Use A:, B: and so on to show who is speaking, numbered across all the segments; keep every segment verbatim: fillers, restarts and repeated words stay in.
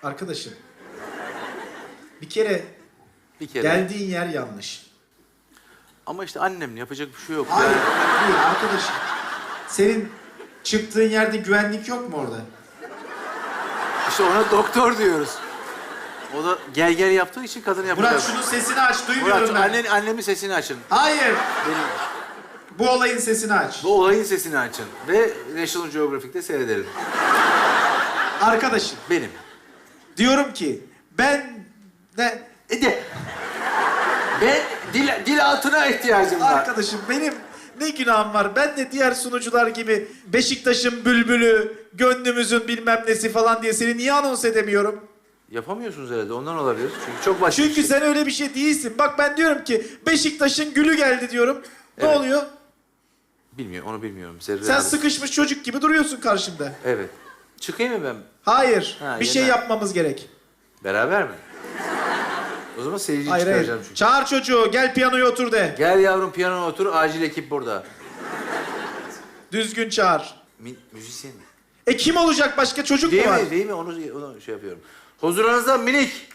A: Arkadaşım. Bir kere,
B: Bir kere.
A: geldiğin yer yanlış.
B: Ama işte annem yapacak bir şey yok.
A: Hayır,
B: Yani
A: değil arkadaşım. Senin çıktığın yerde güvenlik yok mu orada?
B: İşte ona doktor diyoruz. O da gel gel yaptığı için kadın yapacak.
A: Murat şunun sesini aç, duymuyorum
B: Murat,
A: ben.
B: annen, annemin sesini açın.
A: Hayır,
B: Benim,
A: bu olayın sesini aç.
B: bu olayın sesini açın. Ve National Geographic'te seyredelim.
A: Arkadaşım,
B: Benim.
A: diyorum ki ben de...
B: E de. Ben dil, dil altına ihtiyacım var.
A: Arkadaşım benim ne günahım var? Ben de diğer sunucular gibi Beşiktaş'ın bülbülü, gönlümüzün bilmem nesi falan diye seni niye anons edemiyorum?
B: Yapamıyorsunuz herhalde, ondan olabilir. Çünkü çok başka
A: Çünkü
B: bir şey.
A: sen öyle bir şey değilsin. Bak ben diyorum ki Beşiktaş'ın gülü geldi diyorum. Ne
B: Evet.
A: oluyor?
B: Bilmiyorum, onu bilmiyorum. Zerre
A: Sen
B: abi.
A: sıkışmış çocuk gibi duruyorsun karşımda.
B: Evet. Çıkayım mı ben?
A: Hayır,
B: Ha,
A: bir şey
B: yeter.
A: yapmamız gerek.
B: Beraber mi? O zaman seyirciyi
A: Hayır, hayır.
B: çıkaracağım çünkü.
A: Çağır çocuğu, gel piyanoya otur de.
B: Gel yavrum piyanoya otur, acil ekip burada.
A: Düzgün çağır.
B: Mi, müzisyen mi?
A: E kim olacak başka çocuk
B: Değil
A: mu var?
B: mi? Değil mi? Onu, onu şey yapıyorum. Huzurunuzda minik.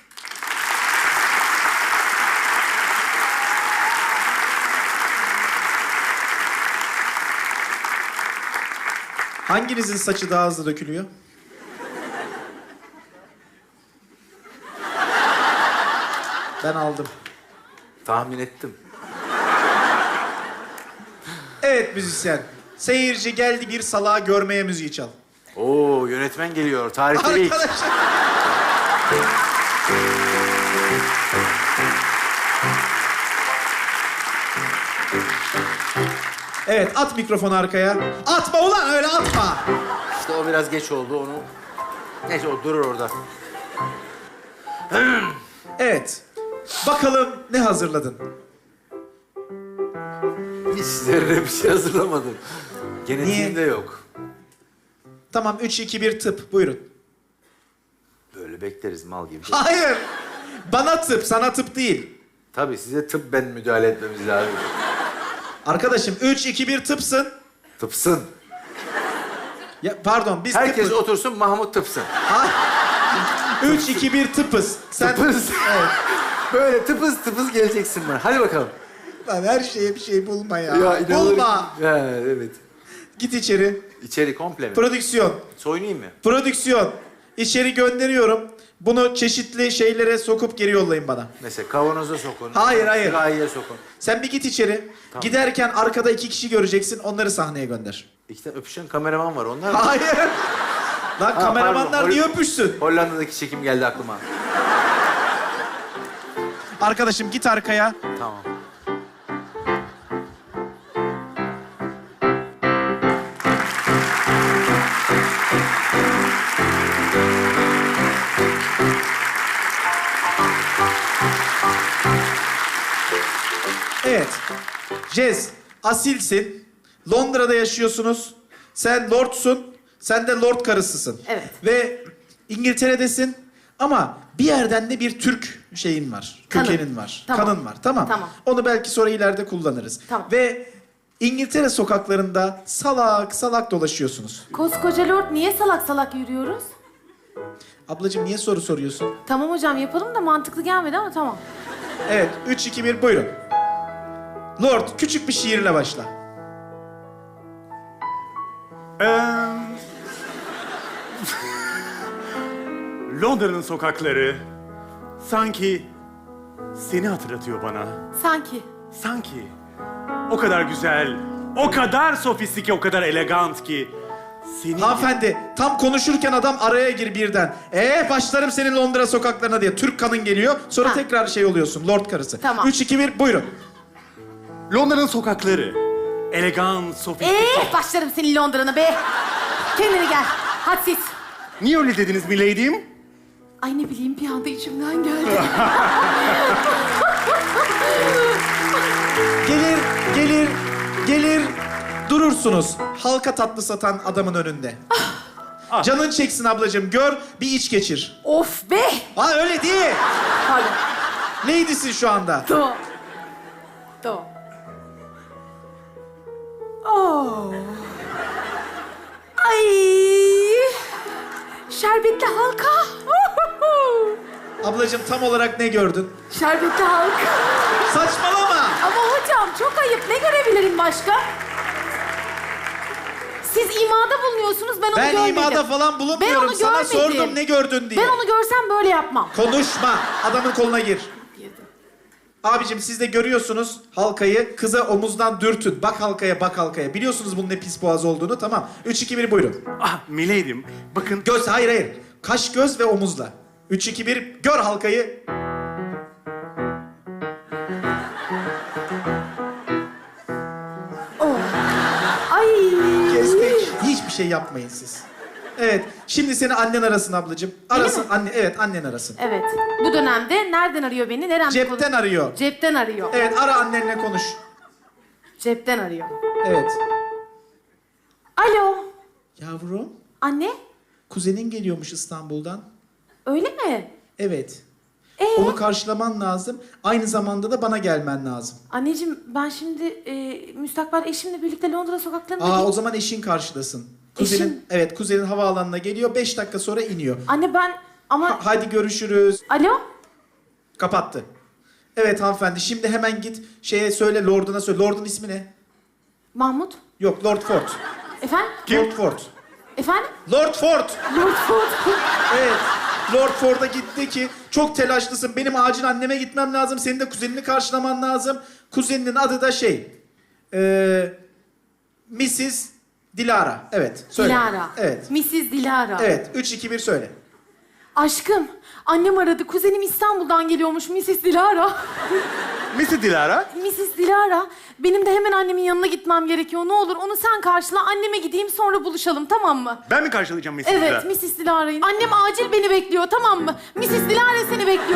A: Hanginizin saçı daha hızlı dökülüyor? Ben aldım.
B: Tahmin ettim.
A: Evet müzisyen. Seyirci geldi bir salağı görmeye müziği çal.
B: Oo, yönetmen geliyor. Tarihte ilk.
A: Arkadaşlar. Evet at mikrofonu arkaya. Atma ulan öyle atma.
B: İşte o biraz geç oldu onu. Neyse o durur orada.
A: Evet. Bakalım ne hazırladın?
B: Hiç sizlere bir şey hazırlamadım. Genetiğimde
A: Niye?
B: yok.
A: Tamam üç, iki, bir tıp buyurun.
B: Böyle bekleriz mal gibi.
A: Hayır. Bana tıp sana tıp değil.
B: Tabii size tıbben müdahale etmemiz lazım.
A: Arkadaşım üç, iki, bir tıpsın.
B: Tıpsın.
A: Ya, pardon biz
B: Herkes
A: tıpız.
B: otursun, Mahmut tıpsın.
A: üç, iki, bir tıpız. Sen...
B: Tıpız.
A: Evet.
B: Böyle tıpız tıpız geleceksin bana. Hadi bakalım.
A: Lan her şeye bir şey bulma ya.
B: inanılır-
A: Bulma.
B: Ha, evet.
A: Git içeri.
B: İçeri komple mi?
A: Prodüksiyon.
B: Soyunayım mı?
A: Prodüksiyon. İçeri gönderiyorum. Bunu çeşitli şeylere sokup geri yollayın bana.
B: Mesela kavanoza sokun.
A: Hayır, hayır.
B: Sürahiye sokun.
A: Sen bir git içeri.
B: Tamam.
A: Giderken arkada iki kişi göreceksin. Onları sahneye gönder.
B: İki tane öpüşen kameraman var. Onlar mı?
A: Hayır. Lan kameramanlar
B: pardon.
A: niye
B: Hol-
A: öpüşsün?
B: Hollanda'daki çekim geldi aklıma.
A: Arkadaşım git arkaya.
B: Tamam.
A: Evet. Jez, asilsin. Londra'da yaşıyorsunuz. Sen lordsun. Sen de lord karısısın.
C: Evet.
A: Ve İngiltere'desin. Ama bir yerden de bir Türk şeyin var.
C: Kanın.
A: Kökenin var.
C: Tamam.
A: Kanın var. Tamam.
C: Tamam.
A: Onu belki sonra ileride kullanırız.
C: Tamam.
A: Ve İngiltere sokaklarında salak salak dolaşıyorsunuz.
C: Koskoca lord niye salak salak yürüyoruz?
A: Ablacığım niye soru soruyorsun?
C: Tamam hocam yapalım da mantıklı gelmedi ama tamam.
A: Evet. Üç, iki, bir buyurun. Lord küçük bir şiirle başla.
D: Londra'nın sokakları sanki seni hatırlatıyor bana.
C: Sanki.
D: Sanki o kadar güzel, o kadar sofistike, o kadar elegant ki seni...
A: Hanımefendi tam konuşurken adam araya gir birden. Ee başlarım senin Londra sokaklarına diye. Türk kanın geliyor. Sonra
C: Ha.
A: tekrar şey oluyorsun. Lord karısı.
C: Tamam.
A: Üç, iki, bir buyurun.
D: Londra'nın sokakları elegant, sofistike...
C: Ee, başlarım senin Londra'na be. Kendine gel. Hadsiz.
D: Niye öyle dediniz milady'im?
C: Ay ne bileyim bir anda içimden geldi.
A: Gelir, gelir, gelir. Durursunuz. Halka tatlı satan adamın önünde. Canın çeksin ablacığım. Gör bir iç geçir.
C: Of be.
A: Ha öyle değil.
C: Pardon.
A: Neydisin şu anda?
C: Tamam. Tamam. Oh. Ay. Şerbetli halka.
A: Ablacığım tam olarak ne gördün?
C: Şerbetli halk.
A: Saçmalama.
C: Ama hocam çok ayıp. Ne görebilirim başka? Siz imada bulunuyorsunuz, ben onu
A: Ben
C: görmedim.
A: imada falan bulunmuyorum.
C: Ben onu
A: Sana
C: görmedim.
A: sordum ne gördün diye.
C: Ben onu görsem böyle yapmam.
A: Konuşma. Adamın koluna gir.
C: Girdim.
A: Abicim siz de görüyorsunuz halkayı. Kıza omuzdan dürtün. Bak halkaya, bak halkaya. Biliyorsunuz bunun ne pis boğaz olduğunu. Tamam. Üç, iki, bir buyurun.
D: Ah Milady'm, bakın.
A: Göz, hayır hayır. Kaş, göz ve omuzla. Üç, iki, bir. Gör halkayı.
C: Oh. Ay.
A: Kestik. Hiçbir şey yapmayın siz. Evet. Şimdi seni annen arasın ablacığım. Arasın anne. Evet annen arasın.
C: Evet. Bu dönemde nereden arıyor beni? Nereden
A: Cepten arıyor.
C: Cepten arıyor.
A: Evet ara annenle konuş.
C: Cepten arıyor.
A: Evet.
C: Alo.
A: Yavrum,
C: Anne.
A: kuzenin geliyormuş İstanbul'dan.
C: Öyle mi?
A: Evet.
C: Ee?
A: Onu karşılaman lazım. Aynı zamanda da bana gelmen lazım.
C: Anneciğim ben şimdi e, müstakbel eşimle birlikte Londra sokaklarında...
A: Aa
C: ge-
A: o zaman eşin karşılasın. Kuzenin,
C: Eşim?
A: evet kuzenin havaalanına geliyor. Beş dakika sonra iniyor.
C: Anne ben ama...
A: Ha- hadi görüşürüz.
C: Alo?
A: Kapattı. Evet hanımefendi şimdi hemen git şeye söyle Lord'una söyle. Lord'un ismi ne?
C: Mahmut?
A: Yok Lord Ford.
C: Efendim?
A: Lord Ford.
C: Efendim?
A: Lord Ford.
C: Lord Ford.
A: Evet. Lord Ford'a gitti ki çok telaşlısın. Benim acil anneme gitmem lazım. Senin de kuzenini karşılaman lazım. Kuzeninin adı da şey. Eee missus Dilara. Evet. Söyle.
C: Dilara.
A: Evet.
C: missus Dilara.
A: Evet. Üç, iki, bir söyle.
C: Aşkım, annem aradı. Kuzenim İstanbul'dan geliyormuş missus Dilara.
D: missus Dilara.
C: missus Dilara, benim de hemen annemin yanına gitmem gerekiyor. Ne olur onu sen karşıla, anneme gideyim sonra buluşalım, tamam mı?
D: Ben mi karşılayacağım missus Dilara?
C: Evet, missus Dilara'yı. Annem acil beni bekliyor, tamam mı? missus Dilara seni bekliyor.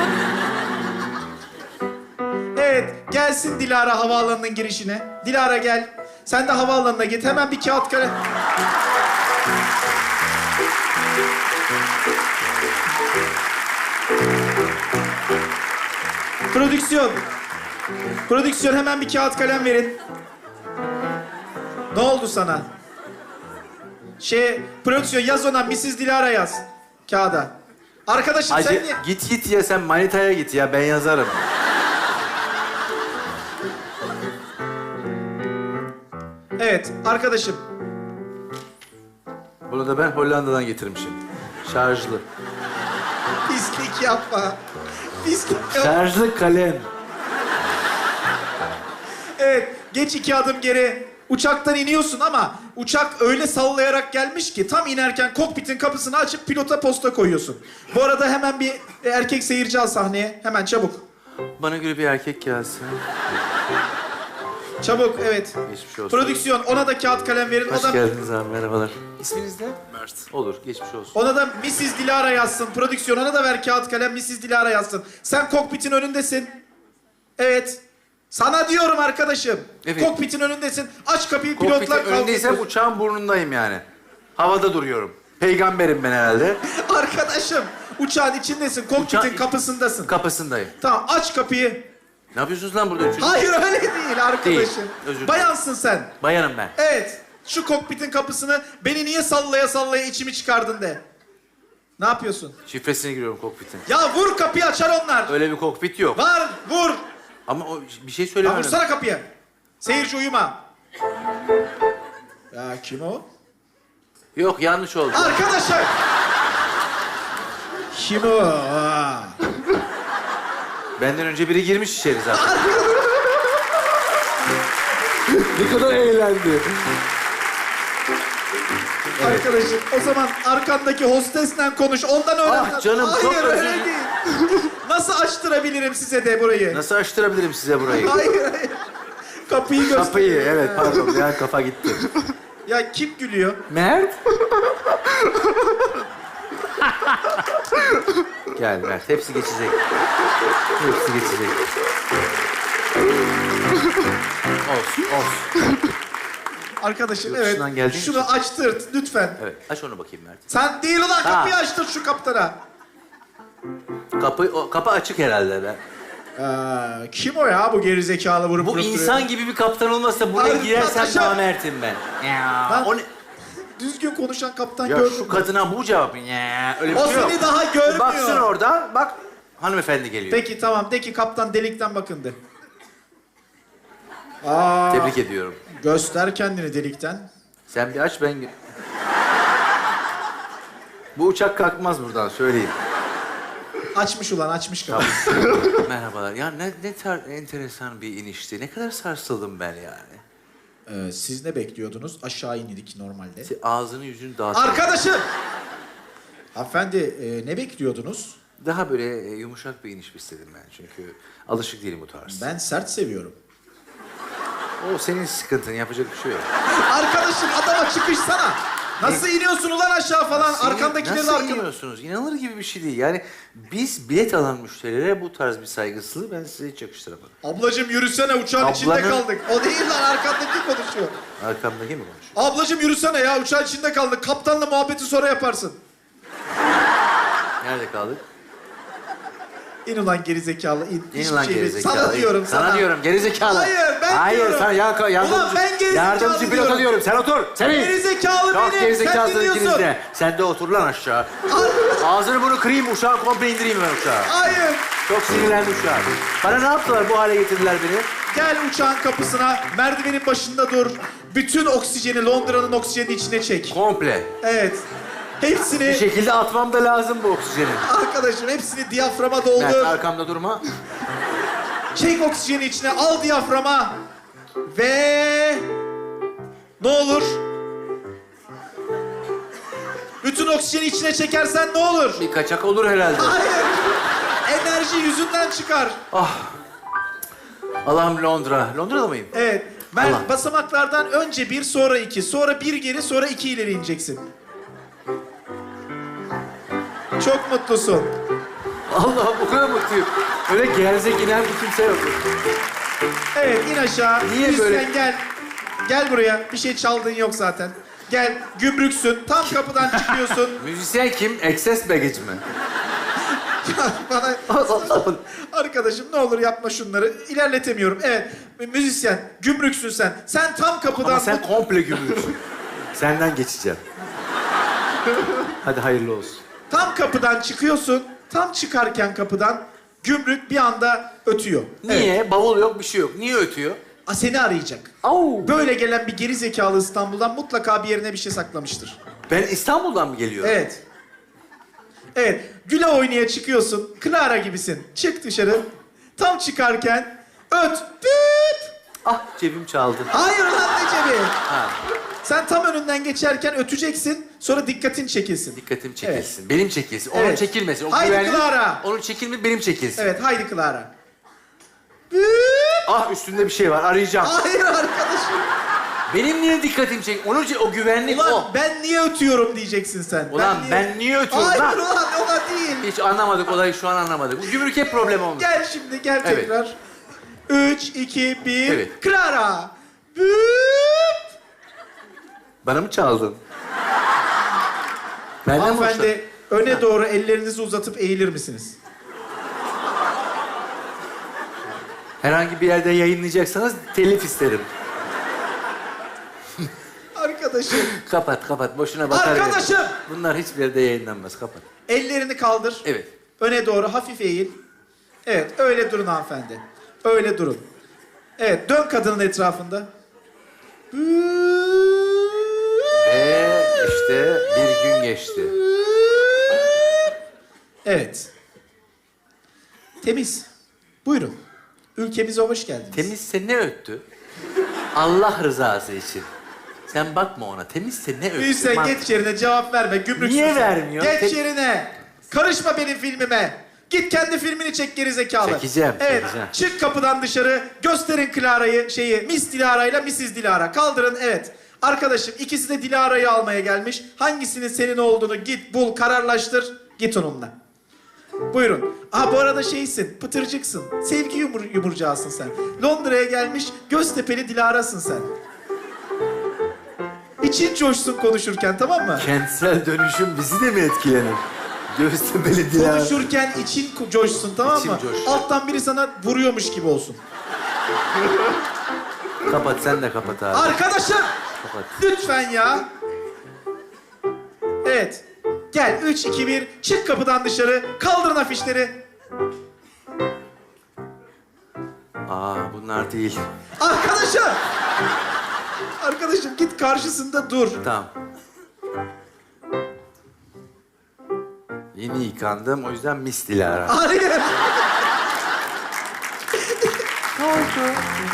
A: Evet. Gelsin Dilara havaalanının girişine. Dilara gel. Sen de havaalanına git. Hemen bir kağıt kalem. Prodüksiyon. Prodüksiyon hemen bir kağıt kalem verin. Ne oldu sana? Şey, prodüksiyon yaz ona missus Dilara yaz. Kağıda. Arkadaşım sen
B: Hacı
A: niye...
B: git git ya sen manitaya git ya ben yazarım.
A: Evet, arkadaşım.
B: Bunu da ben Hollanda'dan getirmişim. Şarjlı.
A: Pislik yapma. Pislik yapma.
B: Şarjlı kalem.
A: Evet, geç iki adım geri. Uçaktan iniyorsun ama uçak öyle sallayarak gelmiş ki tam inerken kokpitin kapısını açıp pilota posta koyuyorsun. Bu arada hemen bir erkek seyirci al sahneye. Hemen çabuk.
B: Bana göre bir erkek gelsin.
A: Çabuk, evet.
B: Geçmiş olsun.
A: Prodüksiyon, ona da kağıt kalem verin.
B: Hoş
A: O da,
B: geldiniz abi merhabalar. İsminiz ne? Mert. Olur geçmiş olsun.
A: ona da missus Dilara yazsın. Prodüksiyon, ona da ver kağıt kalem, missus Dilara yazsın. Sen kokpitin önündesin. Evet. Sana diyorum arkadaşım.
B: Evet.
A: Kokpitin önündesin. Aç kapıyı,
B: Kokpitin
A: pilotlar
B: önündeysem
A: kalkıyor.
B: uçağın burnundayım yani. Havada duruyorum. Peygamberim ben herhalde.
A: Arkadaşım, uçağın içindesin. Kokpitin
B: Uçağın-
A: kapısındasın.
B: Kapısındayım.
A: Tamam, aç kapıyı.
B: Ne yapıyorsunuz lan burada üçünüz?
A: Hayır öyle değil arkadaşım.
B: Değil, özür dilerim.
A: Bayansın sen.
B: Bayanım ben.
A: Evet. Şu kokpitin kapısını beni niye sallaya sallaya içimi çıkardın de. Ne yapıyorsun?
B: Şifresine giriyorum kokpitin.
A: Ya vur kapıyı, açar onlar.
B: Öyle bir kokpit yok.
A: Var, vur.
B: Ama o bir şey
A: Ya
B: söylemiyorum.
A: vursana kapıyı. Seyirci uyuma. Ya kim o?
B: Yok yanlış oldu.
A: Arkadaşım. Kim o? Aa.
B: Benden önce biri girmiş içeri zaten. Ne kadar eğlendi.
A: Arkadaşım o zaman arkandaki hostesle konuş. Ondan öğren.
B: Ah canım,
A: Hayır,
B: çok özür
A: öyle
B: dilerim.
A: değil. Nasıl açtırabilirim size de burayı?
B: Nasıl açtırabilirim size burayı?
A: Hayır, hayır. Kapıyı göster.
B: Kapıyı evet pardon bir an kafa gitti.
A: Ya kim gülüyor?
B: Mert? Gel Mert hepsi geçecek. Hepsi geçecek. Olsun olsun.
A: Arkadaşım
B: Yurt
A: evet.
B: dışından geldiğin
A: Şunu
B: için.
A: açtırt lütfen.
B: Evet aç onu bakayım Mert.
A: Sen değil ulan,
B: Ha.
A: kapıyı açtır şu kaptana.
B: Kapı, o, kapı açık herhalde be.
A: Ee, kim o ya bu gerizekalı vurup
B: Bu
A: vurup duruyor?
B: insan gibi bir kaptan olmazsa buraya
A: Ay,
B: girersem
A: aşağı-
B: namertim ben. Ya,
A: Lan,
B: o ne?
A: Düzgün konuşan kaptan
B: Ya
A: gördüm.
B: şu kadına bu cevap. Ya, öyle bir
A: O
B: şey yok.
A: seni daha görmüyor.
B: Baksın orada, bak. Hanımefendi geliyor.
A: Peki tamam, de ki kaptan delikten bakındı. Aa,
B: Tebrik ediyorum.
A: göster kendini delikten.
B: Sen bir aç, ben... Bu uçak kalkmaz buradan, söyleyeyim.
A: Açmış ulan, açmış kapı.
B: Merhabalar. Ya ne, ne tar enteresan bir inişti. Ne kadar sarsıldım ben yani.
A: Ee, siz ne bekliyordunuz? Aşağı indik normalde.
B: Se- Ağzını yüzünü dağıt.
A: Arkadaşım! Hanımefendi, e, ne bekliyordunuz?
B: Daha böyle e, yumuşak bir iniş istedim ben. Çünkü alışık değilim bu tarz.
A: Ben sert seviyorum.
B: O senin sıkıntın, yapacak bir şey yok.
A: Arkadaşım, adama çıkışsana. Nasıl iniyorsun ulan aşağı falan? Arkandakileri de
B: Nasıl
A: arkan...
B: iniyorsunuz? İnanılır gibi bir şey değil. Yani biz bilet alan müşterilere bu tarz bir saygısızlığı ben size hiç yakıştıramadım.
A: Ablacım yürüsene, uçağın içinde
B: Ablanın-
A: kaldık. O değil lan, arkandaki konuşuyor.
B: Arkamdaki mi konuşuyor?
A: Ablacım yürüsene ya, uçağın içinde kaldık. Kaptanla muhabbeti sonra yaparsın.
B: Nerede kaldık?
A: İn ulan gerizekalı, in.
B: İn
A: Hiçbir
B: lan
A: şey değil.
B: gerizekalı.
A: Sana diyorum, sana.
B: Sana diyorum gerizekalı.
A: Hayır, ben
B: Hayır,
A: diyorum.
B: sen ya, yardımcı,
A: Ulan ben gerizekalı
B: yardımcı pilota
A: diyorum.
B: diyorum. Sen otur. Senin.
A: Gerizekalı
B: Çok
A: benim,
B: gerizekalısın
A: sen
B: ikiniz
A: dinliyorsun.
B: de. Sen de otur lan aşağı. Ağzını bunu kırayım, uçağı komple indireyim ben uçağı.
A: Hayır.
B: Çok sinirlendim şu an. Bana ne yaptılar, bu hale getirdiler beni?
A: Gel uçağın kapısına, merdivenin başında dur. Bütün oksijeni Londra'nın oksijenin içine çek.
B: Komple.
A: Evet. Hepsini,
B: Bir şekilde atmam da lazım bu oksijeni.
A: arkadaşım hepsini diyaframa
B: Mert,
A: doldur.
B: arkamda durma.
A: Çek oksijeni içine, al diyaframa. Ve... Ne olur? Bütün oksijeni içine çekersen ne olur?
B: Bir kaçak olur herhalde.
A: Hayır. Enerji yüzünden çıkar.
B: Allah'ım, Londra. Londra'da mıyım?
A: Evet. Ben
B: Allah.
A: basamaklardan önce bir, sonra iki, sonra bir geri, sonra iki ileri ineceksin. Çok mutlusun.
B: Allah'ım, o kadar mutluyum. Öyle gerzek inen bir kimse yok.
A: Evet, in aşağı.
B: Niye
A: Lütfen
B: böyle-
A: gel. Gel buraya. Bir şey çaldığın yok zaten. Gel, gümrüksün. Tam kapıdan çıkıyorsun.
B: Müzisyen kim? Excess baggage mi?
A: Bana... Arkadaşım ne olur yapma şunları. İlerletemiyorum. Evet, müzisyen, gümrüksün sen. Sen tam kapıdan...
B: Ama sen komple gümrüksün. Senden geçeceğim. Hadi hayırlı olsun.
A: Tam kapıdan çıkıyorsun. Tam çıkarken kapıdan gümrük bir anda ötüyor.
B: Niye?
A: Evet.
B: Bavul yok, bir şey yok. Niye ötüyor?
A: A, seni arayacak.
B: Au.
A: Böyle gelen bir geri zekalı İstanbul'dan mutlaka bir yerine bir şey saklamıştır.
B: Ben İstanbul'dan mı geliyorum?
A: Evet. Evet. Güle oynaya çıkıyorsun. Clara gibisin. Çık dışarı. Tam çıkarken öt. Düt.
B: Ah, cebim çaldı.
A: Hayır lan, ne cebi.
B: Ha,
A: Sen tam önünden geçerken öteceksin. Sonra dikkatin çekilsin.
B: dikkatim çekilsin. Benim çekilsin. Onun
A: Evet.
B: çekilmesin. O
A: Haydi
B: güvenli-
A: Clara.
B: Onun çekilme, benim çekilsin.
A: Evet, haydi Clara. Düt.
B: Ah, üstünde bir şey var. Arayacağım.
A: Hayır arkadaşım.
B: Benim niye dikkatim çek? Onun ce- o güvenlik
A: Ulan
B: o.
A: ben niye ötüyorum diyeceksin sen.
B: Ulan ben niye ötüyorum
A: Hayır
B: lan?
A: ulan, ona değil.
B: Hiç anlamadık olayı, şu an anlamadık. Bu gümrük hep problem olmuş.
A: Gel şimdi, gel
B: Evet.
A: tekrar. Üç, iki, bir.
B: Evet.
A: Clara. Büyük.
B: Bana mı çaldın? Benden mi hoşlandın?
A: Hanımefendi, öne doğru ellerinizi uzatıp eğilir misiniz?
B: Herhangi bir yerde yayınlayacaksanız telif isterim.
A: Arkadaşım,
B: Kapat, kapat. Boşuna batar.
A: Arkadaşım!
B: Bunlar hiçbir yerde yayınlanmaz. Kapat.
A: ellerini kaldır.
B: Evet.
A: Öne doğru hafif eğil. Evet, öyle durun hanımefendi. Öyle durun. Evet, dön kadının etrafında.
B: Ve işte bir gün geçti.
A: Evet. Temiz. Buyurun. Ülkemize hoş geldiniz.
B: Temizse ne öttü? Allah rızası için. Sen bakma ona. Temizse ne öttü?
A: Büyüsen
B: Man-
A: geç yerine, cevap verme. Gümrüksün
B: Niye
A: sen.
B: vermiyor?
A: Geç
B: Te-
A: yerine. Karışma benim filmime. Git kendi filmini çek geri zekalı.
B: Çekeceğim,
A: Evet.
B: çekeceğim.
A: Çık kapıdan dışarı. Gösterin Clara'yı, şeyi. Miss Dilara ile missus Dilara. Kaldırın, evet. Arkadaşım, ikisi de Dilara'yı almaya gelmiş. Hangisinin senin olduğunu git bul, kararlaştır. Git onunla. Buyurun. Aa, bu arada şeysin, pıtırcıksın. Sevgi yumur yumurcağısın sen. Londra'ya gelmiş, Göztepe'li Dilara'sın sen. İçin coşsun konuşurken, tamam mı?
B: Kentsel dönüşüm bizi de mi etkilenir? Göztepe'li Dilara.
A: Konuşurken için ko- coşsun, tamam
B: İçim
A: mı?
B: coşsun.
A: Alttan biri sana vuruyormuş gibi olsun.
B: Kapat, sen de kapat abi.
A: Arkadaşım!
B: Kapat.
A: Lütfen ya. Evet. Gel, üç, iki, bir. Çık kapıdan dışarı. Kaldırın afişleri.
B: Aa bunlar değil.
A: Arkadaşım! Arkadaşım git karşısında dur.
B: Tamam. Yeni yıkandım o yüzden mis Dilara.
A: Hayır.
C: Ne oldu?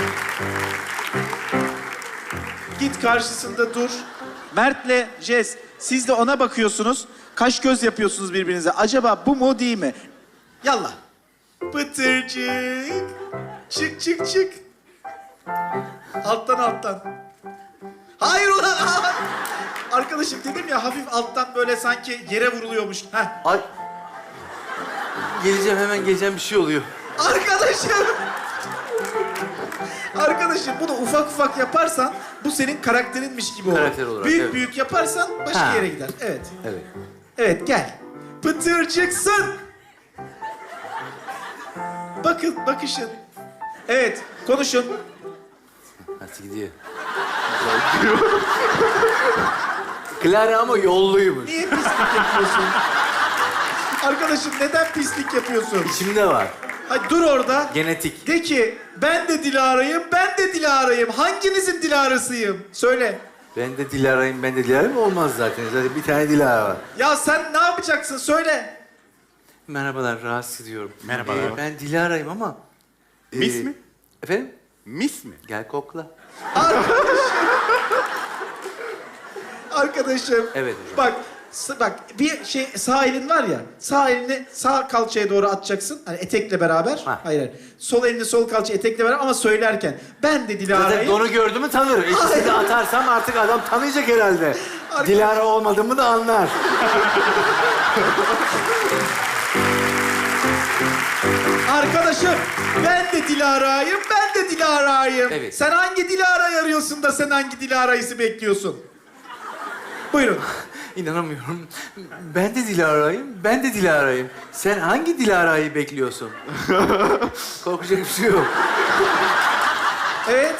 A: Git karşısında dur. Mert'le Jess, siz de ona bakıyorsunuz. Kaş göz yapıyorsunuz birbirinize. Acaba bu mu değil mi? Yallah. Pıtırcık. Çık çık çık. Alttan alttan. Hayır ulan. Arkadaşım dedim ya hafif alttan böyle sanki yere vuruluyormuş. Heh.
B: Ay. Geleceğim hemen geleceğim bir şey oluyor.
A: Arkadaşım. Arkadaşım bunu ufak ufak yaparsan bu senin karakterinmiş gibi olur.
B: Karakter olarak,
A: büyük
B: evet.
A: büyük yaparsan başka
B: Ha.
A: yere gider. Evet.
B: Evet.
A: Evet gel. Pıtırcıksın. Bakın bakışın. Evet konuşun.
B: Hadi gidiyor. Clara ama yolluymuş.
A: Niye pislik yapıyorsun? Arkadaşım neden pislik yapıyorsun?
B: İçimde var.
A: Hadi dur orada.
B: Genetik.
A: De ki ben de Dilara'yım, ben de Dilara'yım. Hanginizin Dilara'sıyım? Söyle.
B: Ben de Dilara'yım, ben de Dilara'yım olmaz zaten. Zaten bir tane Dilara var.
A: Ya sen ne yapacaksın? Söyle.
B: Merhabalar, rahatsız ediyorum.
D: Merhabalar.
B: Ee, ben Dilara'yım ama...
D: Mis
B: ee,
D: mi?
B: Efendim?
D: Mis mi?
B: Gel kokla.
A: Arkadaşım.
B: Evet hocam.
A: Bak, s- bak bir şey sağ elin var ya. Sağ elini sağ kalçaya doğru atacaksın. Hani etekle beraber.
B: Ha.
A: Hayır, hayır. Sol elini sol kalçaya etekle beraber ama söylerken ben de
B: Zaten
A: Dilara'yım.
B: donu gördü mü tanır. İkisini de atarsam artık adam tanıyacak herhalde. Dilara olmadığımı da anlar.
A: Arkadaşım ben de Dilara'yım, ben de Dilara'yım.
B: Evet.
A: Sen hangi Dilara'yı arıyorsun da sen hangi Dilara'yı bekliyorsun? Buyurun.
B: İnanamıyorum. Ben de Dilara'yım, ben de Dilara'yım. Sen hangi Dilara'yı bekliyorsun? Korkacak bir şey yok.
A: Evet.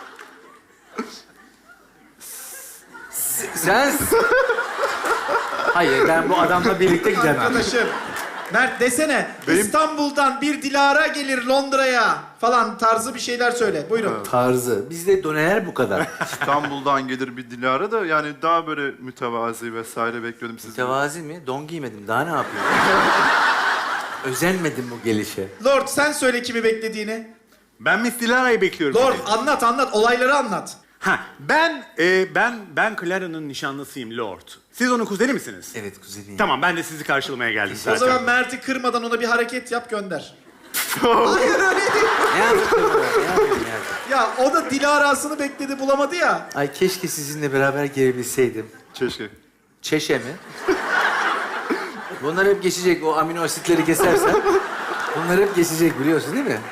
B: Sen... Hayır, ben bu adamla birlikte gidemem.
A: Arkadaşım. Mert desene. İstanbul'dan bir Dilara gelir Londra'ya falan tarzı bir şeyler söyle. Buyurun.
B: Tarzı. Bizde doneler bu kadar.
E: İstanbul'dan gelir bir Dilara da yani daha böyle mütevazi vesaire bekliyordum sizden.
B: Mütevazi mi? Don giymedim. Daha ne yapayım? Özenmedim bu gelişe.
A: Lord sen söyle kimi beklediğini.
D: Ben Miss Dilara'yı bekliyorum.
A: Lord anlat anlat olayları anlat.
D: Ha, ben, e, ben, ben Clara'nın nişanlısıyım Lord. Siz onun kuzeni misiniz?
B: Evet kuzenim.
D: Tamam, ben de sizi karşılamaya geldim zaten.
A: O zaman Mert'i kırmadan ona bir hareket yap gönder. Hayır öyle değil.
B: Ne yaptın? Ne yapayım ya?
A: Ya o da Dilara'sını bekledi bulamadı ya.
B: Ay keşke sizinle beraber gelebilseydim.
E: Keşke.
B: Çeşe mi? Bunlar hep geçecek. O amino asitleri kesersen. Bunlar hep geçecek biliyorsun değil mi?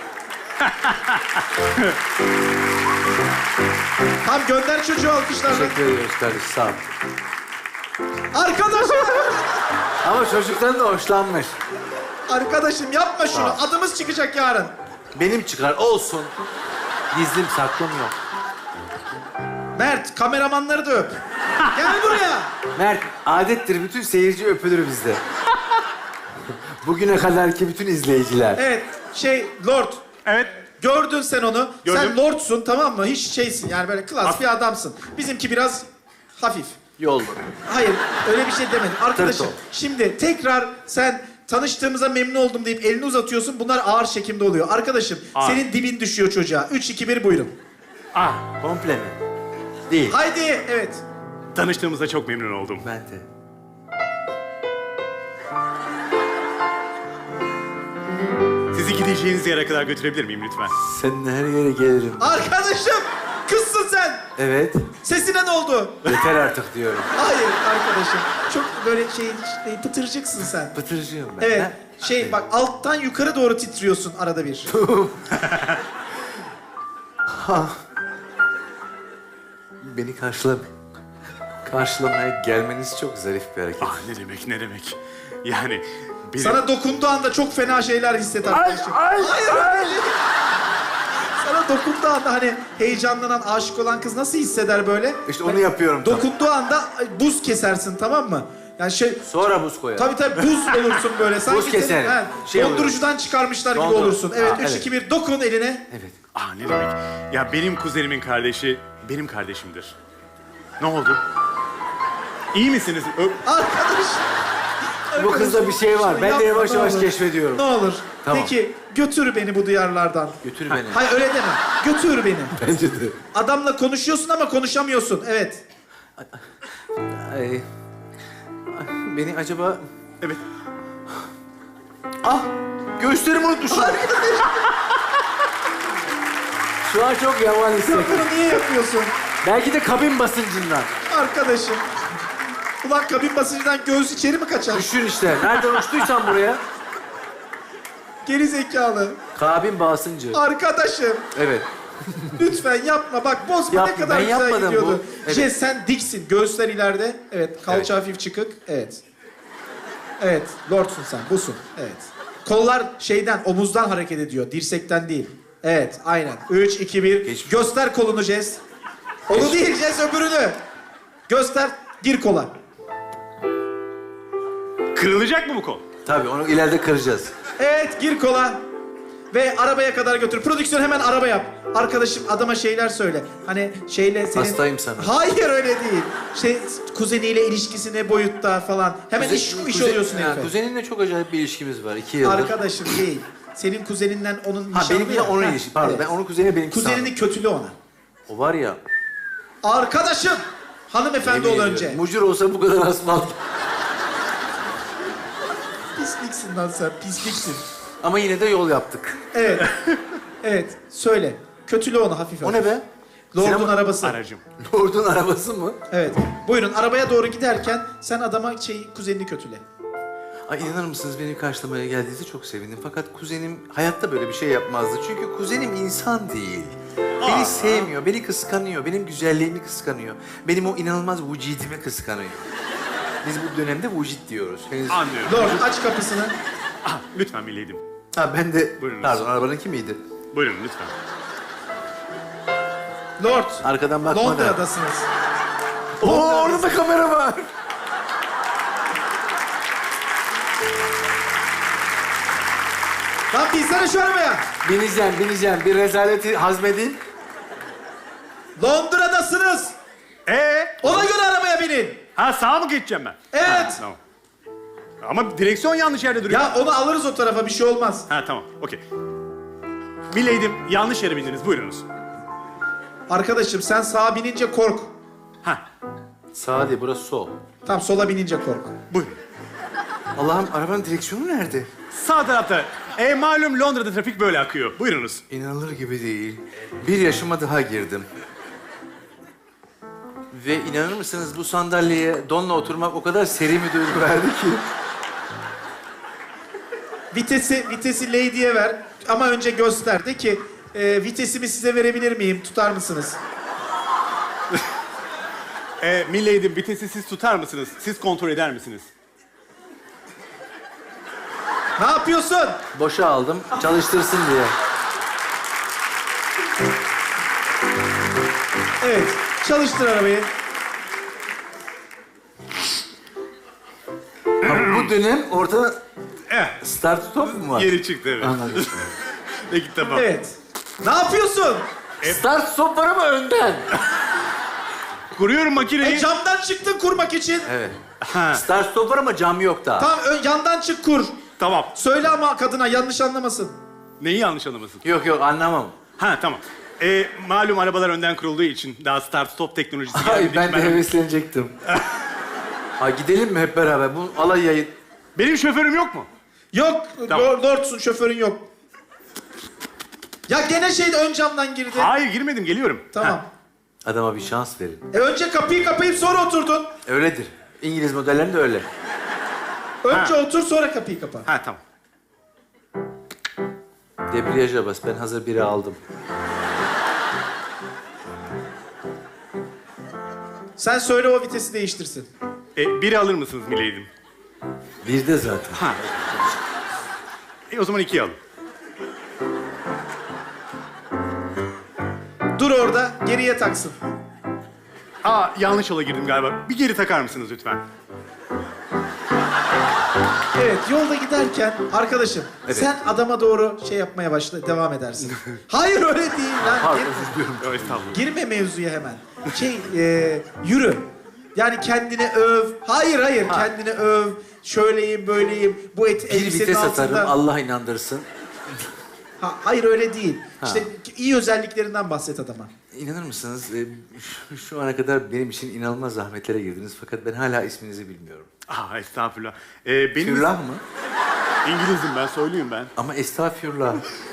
A: Tam gönder çocuğu alkışlarla.
B: Teşekkür ediyoruz kardeşim. Sağ ol.
A: Arkadaşım.
B: Ama çocuktan da hoşlanmış.
A: Arkadaşım yapma şunu. Adımız çıkacak yarın.
B: Benim çıkar olsun. Gizlim saklım yok.
A: Mert kameramanları da öp. Gel buraya.
B: Mert, adettir bütün seyirci öpülür bizde. Bugüne kadarki bütün izleyiciler.
A: Evet şey Lord.
D: Evet.
A: Gördün sen onu.
D: Gördüm.
A: Sen Lord'sun tamam mı? Hiç şeysin yani böyle klas bir adamsın. Bizimki biraz hafif.
B: Yol.
A: Hayır öyle bir şey demedim. Arkadaşım
B: Tırto.
A: şimdi tekrar sen tanıştığımıza memnun oldum deyip elini uzatıyorsun. Bunlar ağır çekimde oluyor. Arkadaşım
D: Ağır.
A: senin dibin düşüyor çocuğa. Üç, iki, bir buyurun.
D: Ah,
B: Komple mi? Değil.
A: Haydi evet.
D: tanıştığımıza çok memnun oldum.
B: Ben de.
D: Sizi gideceğiniz yere kadar götürebilir miyim lütfen?
B: Seninle her yere gelirim.
A: Arkadaşım kızsın sen.
B: Evet.
A: Sesine ne oldu?
B: Yeter artık diyorum.
A: Hayır arkadaşım. Çok böyle şey, şey pıtırcıksın sen.
B: Pıtırcıyım ben.
A: Evet.
B: ha?
A: Şey bak alttan yukarı doğru titriyorsun arada bir.
B: Beni karşıla... Karşılamaya gelmeniz çok zarif bir hareket.
D: Ah ne demek ne demek. Yani benim...
A: Sana dokunduğu anda çok fena şeyler hisset arkadaşım. Hayır öyle değil. Sana dokunduğu anda hani heyecanlanan, aşık olan kız nasıl hisseder böyle?
B: İşte onu yapıyorum tam.
A: Dokunduğu anda buz kesersin tamam mı? Yani şey...
B: Sonra buz koyar.
A: Tabii tabii buz olursun böyle. Sanki
B: Buz keser.
A: senin- he,
B: Şey oluyor.
A: dondurucudan çıkarmışlar gibi
B: Dondur-
A: olursun. Evet,
B: Aa,
A: üç,
B: evet.
A: iki, bir, dokun eline.
B: Evet.
D: Ah ne demek? Ya benim kuzenimin kardeşi benim kardeşimdir. Ne oldu? İyi misiniz? Ö-
A: Arkadaş.
B: Bu kızda bir şey var. Ben de yavaş
A: Yapma,
B: yavaş
A: ne olur.
B: keşfediyorum.
A: Ne olur.
B: Tamam.
A: Peki götür beni bu diyarlardan.
B: Götür beni.
A: Hayır öyle deme. Götür beni.
B: Bence de.
A: Adamla konuşuyorsun ama konuşamıyorsun. Evet.
B: Ay, beni acaba...
D: evet.
B: Ah! Göğüslerimi unutmuşum. Şu an çok yavan hissettim.
A: Bunu niye yapıyorsun?
B: Belki de kabin basıncından.
A: Arkadaşım. Ulan kabin basıncından göğüs içeri mi kaçar?
B: Düşün işte. Nereden uçtuysan buraya.
A: Geri zekalı.
B: Kabin basıncı.
A: Arkadaşım.
B: Evet.
A: Lütfen yapma. Bak bozma
B: Yap-
A: ne kadar
B: ben
A: güzel
B: yapmadım
A: gidiyordu.
B: bu. Evet.
A: Jess sen diksin. Göğüsler ileride. Evet. Kalça
B: Evet.
A: hafif çıkık. Evet. Evet. Lordsun sen. Busun. Evet. Kollar şeyden, omuzdan hareket ediyor. Dirsekten değil. Evet. Aynen. Üç, iki, bir.
B: Geçmiş.
A: Göster kolunu Jess. Onu değil Jess öbürünü. Göster. Gir kola.
D: Kırılacak mı bu kol?
B: Tabii onu ileride kıracağız.
A: Evet. Gir kola. Ve arabaya kadar götür. Prodüksiyon hemen araba yap. Arkadaşım adama şeyler söyle. Hani şeyle senin...
B: Hastayım sana.
A: Hayır öyle değil. Şey kuzeniyle ilişkisi ne boyutta falan. Hemen iş, iş
B: Kuzen-
A: oluyorsun
B: ha,
A: herife.
B: Kuzeninle çok acayip bir ilişkimiz var. İki yıldır.
A: Arkadaşım değil. Senin kuzeninden onun
B: Ha
A: nişanlı
B: benimki
A: ya.
B: onun
A: Ha,
B: ilişki. Pardon
A: evet.
B: ben onun kuzeni benimki
A: Kuzenini kötülü ona.
B: sandım. O var ya.
A: Arkadaşım. Hanımefendi ol
B: yemin
A: önce.
B: ediyorum, Mucur olsa bu kadar asfalt.
A: Pisliksin lan sen. Pisliksin.
B: Ama yine de yol yaptık.
A: Evet. Evet. Söyle. Kötülü onu hafif
B: O
A: hafif.
B: ne be?
A: Lord'un
B: Sinema-
A: arabası.
D: Aracım.
B: Lord'un arabası mı?
A: Evet. Buyurun arabaya doğru giderken sen adama şey kuzenini kötüle.
B: Ay inanır mısınız beni karşılamaya geldiğinizde çok sevindim. Fakat kuzenim hayatta böyle bir şey yapmazdı. Çünkü kuzenim insan değil. Beni sevmiyor, beni kıskanıyor, benim güzelliğimi kıskanıyor. Benim o inanılmaz vücudimi kıskanıyor. Biz bu dönemde vücut diyoruz. Henüz...
D: Anlıyorum.
A: Lord aç kapısını.
D: Ah, lütfen mileydim.
B: Ha ben de...
D: Buyurunuz.
B: Pardon arabanınki miydi?
D: Buyurun lütfen.
A: Lord.
B: Arkadan bakma da.
A: Londra'dasınız.
B: Oo orada da kamera var.
A: Lan binsene şu arabaya.
B: Bineceğim, bineceğim. Bir rezaleti hazmedin.
A: Londra'dasınız.
D: Ee?
A: Ona göre arabaya binin.
D: Ha sağa mı geçeceğim ben?
A: Evet.
D: Ha, tamam. Ama direksiyon yanlış yerde duruyor.
A: Ya onu alırız o tarafa bir şey olmaz.
D: Ha tamam, okey. Mileydim, yanlış yere bindiniz. Buyurunuz.
A: Arkadaşım sen sağa binince kork.
D: Ha,
B: Sağ değil, burası sol.
A: Tam sola binince kork.
D: buyurun.
B: Allah'ım arabanın direksiyonu nerede?
D: Sağ tarafta. E malum Londra'da trafik böyle akıyor. Buyurunuz.
B: İnanılır gibi değil. Bir yaşıma daha girdim. Ve inanır mısınız bu sandalyeye donla oturmak o kadar seri bir duygu verdi ki.
A: Vitesi vitesi Lady'ye ver ama önce göster. De ki e, vitesimi size verebilir miyim? Tutar mısınız?
D: E, mileydim, vitesi siz tutar mısınız? Siz kontrol eder misiniz?
A: Ne yapıyorsun?
B: Boşa aldım, çalıştırsın diye.
A: Evet. Çalıştır arabayı.
B: Ha, bu dönem ortada
D: Eh,
B: start stop mu var?
D: geri çıktı evet.
B: Anladım.
D: Peki tamam.
A: Evet. Ne yapıyorsun?
B: Start stop var ama önden.
D: Kuruyorum
A: E
D: makineyi.
A: camdan çıktın kurmak için.
B: Evet.
D: Ha,
B: Start stop var ama cam yok daha.
A: Tam ön, yandan çık kur.
D: tamam.
A: Söyle ama kadına yanlış anlamasın.
D: Neyi yanlış anlamasın?
B: Yok yok anlamam.
D: Ha tamam. E, malum arabalar önden kurulduğu için daha start stop teknolojisi
B: Ay
D: gelmediği
B: ben
D: için
B: de heveslenecektim. Ha gidelim mi hep beraber? Bu alay yayın.
D: Benim şoförüm yok mu?
A: Yok.
D: Tamam.
A: Lord- Lord'sun şoförün yok. Ya gene şey ön camdan girdi.
D: Hayır girmedim geliyorum.
A: Tamam.
D: Ha,
B: Adama bir şans verin.
A: E önce kapıyı kapayıp sonra oturdun.
B: Öyledir. İngiliz modellerinde öyle.
A: Önce
D: Ha.
A: otur sonra kapıyı kapa.
D: ha tamam.
B: Debriyaja bas. Ben hazır biri aldım.
A: Sen söyle o vitesi değiştirsin.
D: E, biri alır mısınız mileydim?
B: Bir de zaten.
D: Ha. E, o zaman ikiyi alın.
A: Dur orada geriye taksın.
D: Aa yanlış yola girdim galiba. Bir geri takar mısınız lütfen?
A: Evet, yolda giderken arkadaşım
B: Evet.
A: sen adama doğru şey yapmaya başla, devam edersin. Hayır öyle değil lan.
B: Pardon,
A: Gir-
B: özür diliyorum.
D: Yo, estağfurullah.
A: girme mevzuya hemen. Şey, e, yürü. Yani kendini öv. Hayır hayır, kendini öv. Şöyleyim, böyleyim. Bu et
B: Bir
A: elbisenin
B: vites
A: altında.
B: atarım, Allah inandırsın.
A: Ha, hayır öyle değil. İşte iyi özelliklerinden bahset adama.
B: İnanır mısınız? e, şu, şu ana kadar benim için inanılmaz zahmetlere girdiniz. Fakat ben hala isminizi bilmiyorum.
D: Ah estağfurullah. Ee, benim
B: Fürlah mı?
D: İngilizim ben, soyluyum ben.
B: Ama estağfurullah.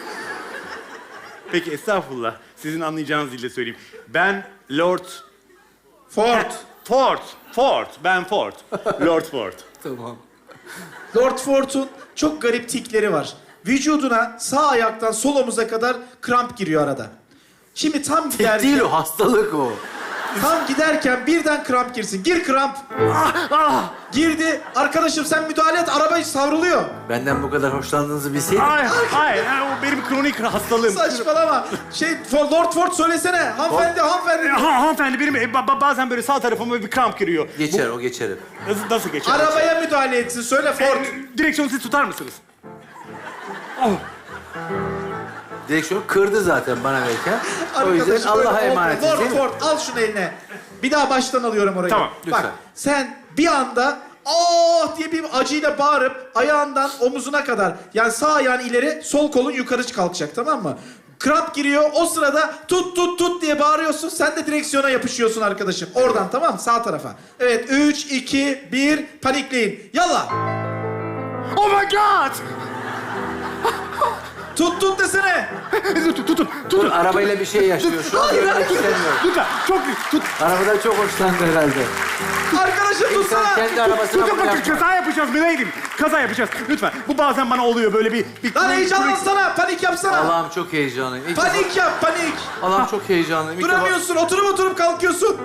D: Peki estağfurullah. Sizin anlayacağınız dille söyleyeyim. Ben Lord...
A: Ford.
D: Ford. Ford. Ben Ford. Lord Ford.
B: Tamam.
A: Lord Ford'un çok garip tikleri var. Vücuduna sağ ayaktan sol omuza kadar kramp giriyor arada. Şimdi tam
B: Tek
A: giderken,
B: değil o, hastalık o.
A: tam giderken birden kramp girsin. Gir kramp. Girdi. Arkadaşım sen müdahale et. Araba savruluyor.
B: Benden bu kadar hoşlandığınızı bilseydim.
D: Hayır, hayır. Yani o benim kronik hastalığım.
A: Saçmalama. Şey For- Lord Ford söylesene. Hanımefendi, hanımefendi.
D: Ha, hanımefendi benim e, ba- ba- bazen böyle sağ tarafıma bir kramp giriyor.
B: Geçer, o geçer.
D: Nasıl, nasıl geçer?
A: Arabaya müdahale etsin. Söyle Ford.
D: E, direksiyonu siz tutar mısınız?
B: Direksiyon kırdı zaten bana verirken. O yüzden
A: Arkadaşım, öyle
B: Allah'a
A: olmuyor.
B: emanet
A: Lord
B: değil mi?
A: Ford al şunu eline. Bir daha baştan alıyorum orayı.
D: Tamam,
A: Bak
B: lütfen.
A: sen bir anda oh diye bir acıyla bağırıp ayağından omuzuna kadar, yani sağ ayağın ileri, sol kolun yukarı kalkacak, tamam mı? Kramp giriyor, o sırada tut tut tut diye bağırıyorsun, sen de direksiyona yapışıyorsun arkadaşım. Oradan, tamam mı? Sağ tarafa. Evet, üç, iki, bir, panikleyin. Yallah!
D: Oh my god!
A: Tut tut desene!
D: tutun, tutun,
B: Dur,
D: tutun.
B: arabayla bir şey yaşıyor. Şu an görmek istemiyorum.
D: Lütfen, çok tut.
B: Arabadan çok hoşlandı herhalde.
A: Arkadaşım
B: İnsan
A: tutsana!
B: kendi arabasına
D: Tutun
B: bunu
D: bakın,
B: yapma.
D: kaza yapacağız Mileydim. Kaza yapacağız. Lütfen. Bu bazen bana oluyor böyle bir... bir
A: Lan heyecanlansana, panik yapsana!
B: Allah'ım çok heyecanlıyım. İlk defa-
A: Panik yap, panik!
B: Allah'ım çok heyecanlıyım. İlk defa-
A: Duramıyorsun, oturup oturup kalkıyorsun.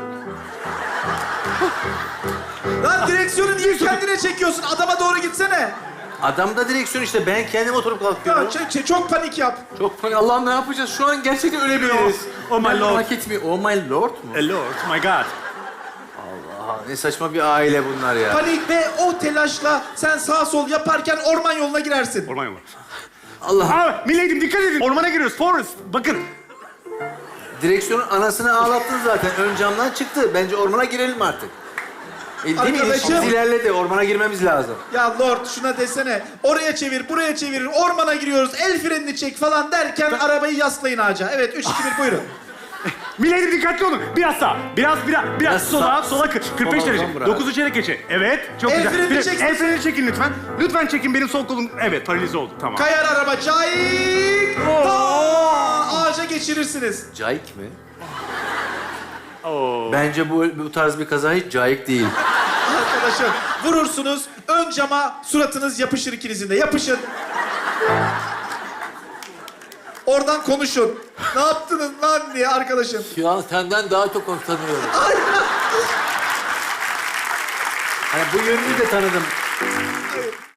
A: Lan direksiyonu niye kendine çekiyorsun? Adama doğru gitsene.
B: Adam da direksiyon işte. Ben kendim oturup kalkıyorum.
A: Ya, ç- ç- çok panik yap.
B: Çok panik. Allah'ım ne yapacağız? Şu an gerçekten ölebiliriz.
D: Oh my
B: Ben
D: lord.
B: Hak etmiyor. Oh my lord mu?
D: Eh, Lord, my god.
B: Aha, ne saçma bir aile bunlar ya.
A: Panik ve o telaşla sen sağ sol yaparken orman yoluna girersin.
D: Orman yolu.
B: Allah.
D: Aa, Mileydim dikkat edin. Ormana giriyoruz. Forest. Bakın.
B: Direksiyonun anasını ağlattın zaten. Ön camdan çıktı. Bence ormana girelim artık. E, değil mi?
A: Arkadaşım.
B: İlişkimiz ilerledi. Ormana girmemiz lazım.
A: Ya Lord şuna desene. Oraya çevir, buraya çevir, ormana giriyoruz, el frenini çek falan derken arabayı yaslayın ağaca. Evet, üç, iki, bir buyurun.
D: Mileydim dikkatli olun. Biraz sağ. Biraz, biraz, biraz
B: Biraz
D: sola,
B: sağ.
D: sola kırk- kırk beş
B: Sola
D: derece.
B: uzan bırak.
D: dokuzu çeyrek geçe. Evet, çok
A: El
D: güzel.
A: freni
D: Bir-
A: çeksin.
D: El freni çekin lütfen. Lütfen çekin benim sol kolum. Evet, paralize oldu. Tamam.
A: Kayar araba, cayik! Aa, ağaca geçirirsiniz.
B: Cayik mi?
D: Oo.
B: Bence bu, bu tarz bir kaza hiç cayik değil.
A: Arkadaşım vurursunuz, ön cama suratınız yapışır ikinizin de. Yapışın. Oradan konuşun. Ne yaptınız lan diye arkadaşım.
B: Şu an senden daha çok hoşlanıyorum. Hani bu yönünü de tanıdım.